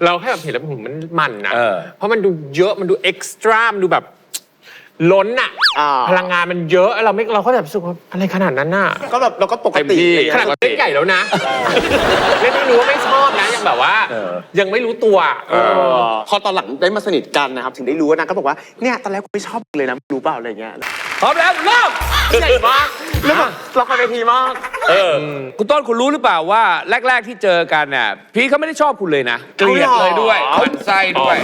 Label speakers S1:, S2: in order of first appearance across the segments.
S1: เราแค่แบบเห็นแล้วมันนะเพราะมันดูเยอะมันดูเอ็กซ์ตร้ามันดูแบบล้นอะพลังงานมันเยอะเราก็แบบรู้สึกว่าอะไรขนาดนั้นน่ะ
S2: ก็แบบเราก็ปกติ
S1: ขนาดเล่นใหญ่แล้วนะเล่นไม่รู้ว่าไม่ชอบนะยังแบบว่ายังไม่รู้ตัว
S2: พอตอนหลังได้มาสนิทกันนะครับถึงได้รู้ว่านางก็บอกว่าเนี่ยตอนแรกกูไม่ชอบเลยนะรู้เปล่าอะไรเงี้ย
S3: พร้อมแล้วเริ่ม
S2: ใหญ่มากแล้วแบบละครเวทีมาก
S3: คุณต้นคุณรู้หรือเปล่าว่าแรกๆที่เจอกันเนี่ยพีเขาไม่ได้ชอบคุณเลยนะเกลียดเลยด้วยหมั่นไส้ด้วย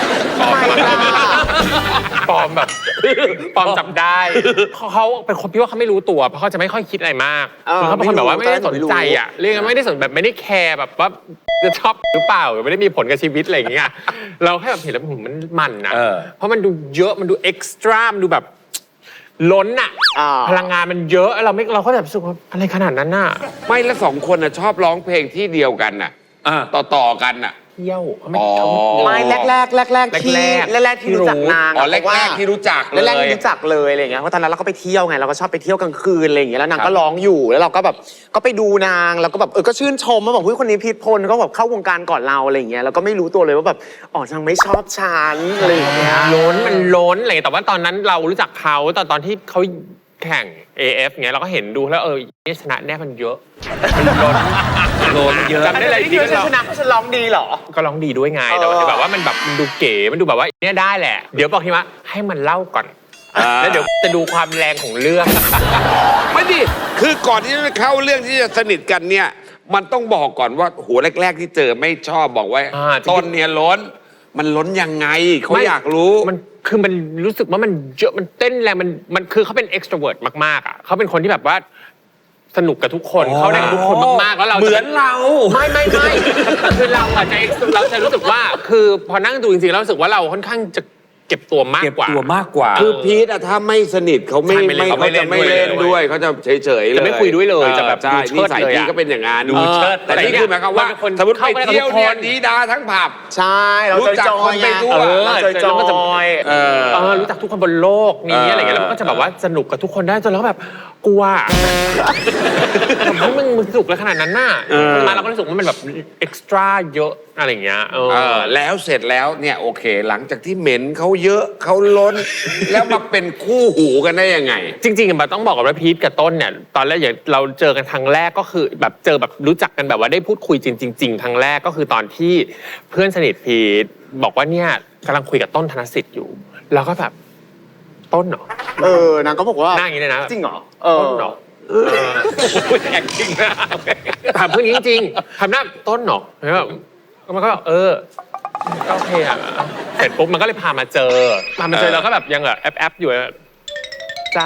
S1: ปลอมแบบปลอมจับได้เขาเป็นคนพี่ว่าเขาไม่รู้ตัวเพราะเขาจะไม่ค่อยคิดอะไรมากคือเขาเป็นคนแบบว่าไม่ได้สนใจอ่ะเรียกไม่ได้สนแบบไม่ได้แคร์แบบว่าจะชอบหรือเปล่าหรือไม่ได้มีผลกับชีวิตอะไรอย่างเงี้ยเราแค่แบบเห็นแล้วมันนะเพราะมันดูเยอะมันดูเอ็กซ์ตร้ามันดูแบบล้นอะพลังงานมันเยอะเราก็แบบรู้สึกว่าอะไรขนาดนั้นน่ะ
S3: ไม่แล้วสองคนน่ะชอบร้องเพลงที่เดียวกันน่ะต่อกันน่ะ
S1: เที่ยว
S2: ไม่แรกที่รู้จักนาง
S3: แรกที่รู้จัก
S2: แรกที่รู้จักเลยอะไรเงี้ยเพราะตอนนั้นเราก็ไปเที่ยวไงเราก็ชอบไปเที่ยวกลางคืนอะไรอย่างเงี้ยแล้วนางก็ร้องอยู่แล้วเราก็แบบก็ไปดูนางแล้วก็แบบก็ชื่นชมมาบอกคนนี้พีทพลก็แบบเข้าวงการก่อนเราอะไรอย่างเงี้ยแล้วก็ไม่รู้ตัวเลยว่าแบบนางไม่ชอบฉันอะไรอย่างเงี้ย
S1: มันล้นอะไรแต่ว่าตอนนั้นเรารู้จักเขาตอนที่เขาแข่ง AF เงี้ยเราก็เห็นดูแล้วนี่ชนะแน่มันเยอะมันล้นเยอะ
S2: จำได้เลยที่ชนะเขาฉันร้องดีเหรอ
S1: ก็ร้องดีด้วยไงแต่แบบว่ามันแบบมันดูเก๋มันดูแบบว่าเนี่ยได้แหละเดี๋ยวบอกทีว่าให้มันเล่าก่อนแล้วเดี๋ยวจะดูความแรงของเรื่อง
S3: ไม่ดิคือก่อนที่จะเข้าเรื่องที่จะสนิทกันเนี่ยมันต้องบอกก่อนว่าหัวแรกๆที่เจอไม่ชอบบอกไว้ต้นเนี่ยล้นมันล้นยังไงเขาอยากรู้
S1: มันรู้สึกว่ามันเยอะมันเต้นแรงมันคือเขาเป็น extrovert มากๆอ่ะเขาเป็นคนที่แบบว่าสนุกกับทุกคนเขาได้กับทุกคนมากๆแล้วเรา
S3: เหมือนเรา
S1: ไม่คือเราอาจจะเราจะรู้สึกว่าคือพอนั่งดูจริงๆเรารู้สึกว่าเราค่อนข้างจะเก็บตัวมากกว่า
S3: คือพีทถ้าไม่สนิทเขาไม่จะไม่เล่นด้วยเขาจะเฉยๆเลย
S1: จะไม่คุยด้วยเลยจะแบบ
S3: ดูเชิดเลยพีก็เป็นอย่างนั้น
S1: ดูเชิด
S3: แต่นี่คือหมายความว่าสมมติไปเที่ยวเนี่ยดีดาทั้งผับ
S2: ใช่เรา
S3: รู้จักคนไปทั่ว
S2: จอย
S1: รู้จักทุกคนบนโลกนี้อะไรเงี้ยแล้วก็จะแบบว่าสนุกกับทุกคนได้จนแล้วแบบกลัวทำไมมึงสนุกเลยขนาดนั้นน่ะมาเราก็รู้สึกว่ามันแบบเอ็กซ์ตร้าเยอะอะไรเงี้ย
S3: แล้วเสร็จแล้วเนี่ยโอเคหลังจากที่เหม็นเขาเยอะเขาล้นแล้วมาเป็นคู่หูกันได้ยังไง
S1: จริงๆมันต้องบอกว่าพีทกับต้นเนี่ยตอนแรกอย่างเราเจอกันครั้งแรกก็คือแบบเจอแบบรู้จักกันแบบว่าได้พูดคุยจริงๆครั้งแรกก็คือตอนที่เพื่อนสนิทพีทบอกว่าเนี่ยกำลังคุยกับต้นธนสิทธิ์อยู่แล้วก็แบบต้นเหร
S2: อนางก็บอกว่า
S1: หน้าอย่างนี้เลยนะ
S2: จริงเหรอ
S1: ต้นเหรอแอคติ้งนะถามเพื่อนจริงๆทำหน้าต้นเหรอแล้วแบบมันก็แบบโอเคอ่ะเสร็จปุ๊บมันก็เลยพามาเจอเราก็แบบยังแบบแอปอยู่จ้า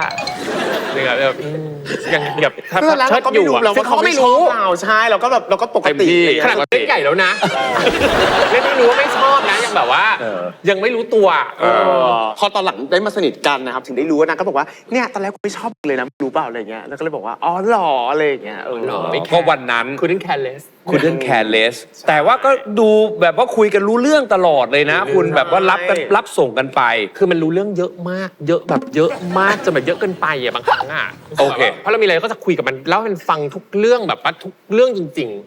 S1: ยังแบบ
S2: เชิดอยู่เราก็ไม่รู้เราใช่เราก็แบบเราก็ปกติ
S1: ขนาดเล่นใหญ่แล้วนะเล่นไม่รู้ว่าไม่ชอบนะยังแบบว่ายังไม่รู้ตัว
S2: พอตอนหลังได้มาสนิทกันนะครับถึงได้รู้ว่านางก็บอกว่าเนี่ยตอนแรกกูไม่ชอบเลยนะรู้เปล่าอะไรเงี้ยแล้วก็เลยบอกว่าหล่ออะไรเงี้ย
S3: เพราะวันนั้น
S1: couldn't
S3: care less แต่ว่าก็ดูแบบว่าคุยกันรู้เรื่องตลอดเลยนะคุณแบบว่ารับส่งกันไป
S1: คือมันรู้เรื่องเยอะมากเยอะแบบเยอะมากจนแบบเยอะเกินไปอ่ะบางครั้งอ่ะ
S3: โอเค
S1: เพราะเรามีอะไรก็จะคุยกับมันเล่าให้มันฟังทุกเรื่องแบบว่าทุกเรื่องจริงๆ